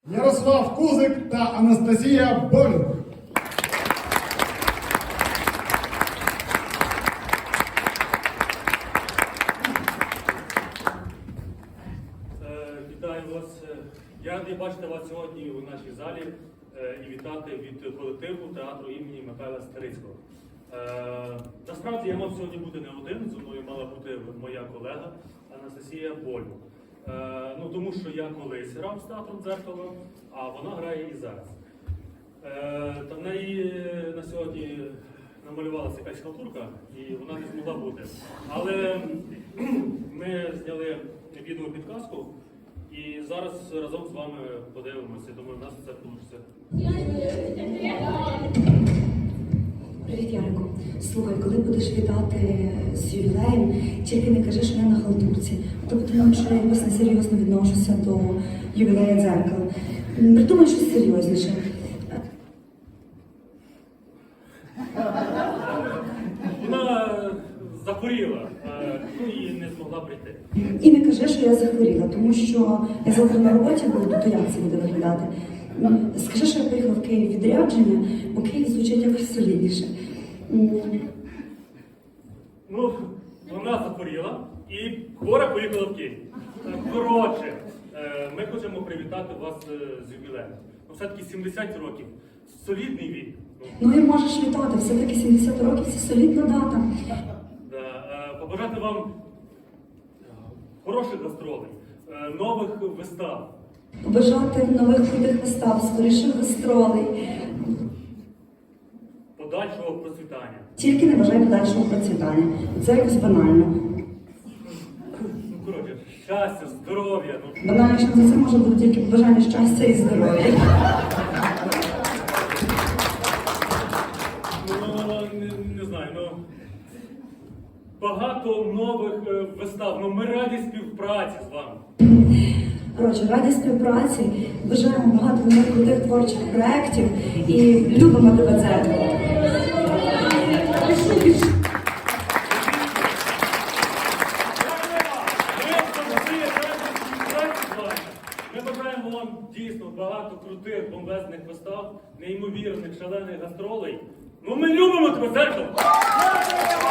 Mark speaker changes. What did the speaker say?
Speaker 1: Ярослав Кузик та Анастасія Болюк.
Speaker 2: Вітаю вас. Я радий бачити вас сьогодні у нашій залі і вітати від колективу театру імені Михайла Старицького. Насправді я мав сьогодні бути не один, зі мною мала бути моя колега Анастасія Болюк. Тому що я колись грав з театром «Дзеркало», а вона грає і зараз. Та в неї на сьогодні намалювалася якась халтурка, і вона не змогла бути. Але ми зняли відеопідказку, і зараз разом з вами подивимося. Думаю, в нас все вийде.
Speaker 3: Привіт, Ярику. Слухай, коли будеш вітати з ювілеєм, тільки не кажи, що я на халтурці. Тому що я якось несерйозно відношуся до ювілея «Дзеркала». Придумай щось серйозніше.
Speaker 2: Вона захворіла, і не змогла прийти.
Speaker 3: І не кажи, що я захворіла, тому що я завтра на роботі буду, то як це буде виглядати? Скажи, що я поїхала в Київ відрядження, бо Київ звучить якось солідніше.
Speaker 2: Вона захворіла і хвора поїхала в Київ. Коротше, ми хочемо привітати вас з ювілеєм. Все-таки 70 років. Солідний вік.
Speaker 3: Ну і можеш вітати, все-таки 70 років – це солідна дата.
Speaker 2: Побажати вам хороших гастролей, нових вистав.
Speaker 3: Побажати нових крутих вистав, скоріших гастролей.
Speaker 2: Подальшого процвітання.
Speaker 3: Тільки не бажай подальшого процвітання. Це якось банально.
Speaker 2: Коротше, щастя, здоров'я.
Speaker 3: Банально, що за це може бути тільки побажання щастя і здоров'я.
Speaker 2: Не знаю, багато нових вистав. Ми раді співпраці з вами.
Speaker 3: Коротше, раді співпраці, бажаємо багато нових крутих творчих проєктів і любимо тебе, «Дзеркало».
Speaker 2: Ми бажаємо вам дійсно багато крутих, бомбезних вистав, неймовірних, шалених гастролей. Ми любимо тебе, «Дзеркало».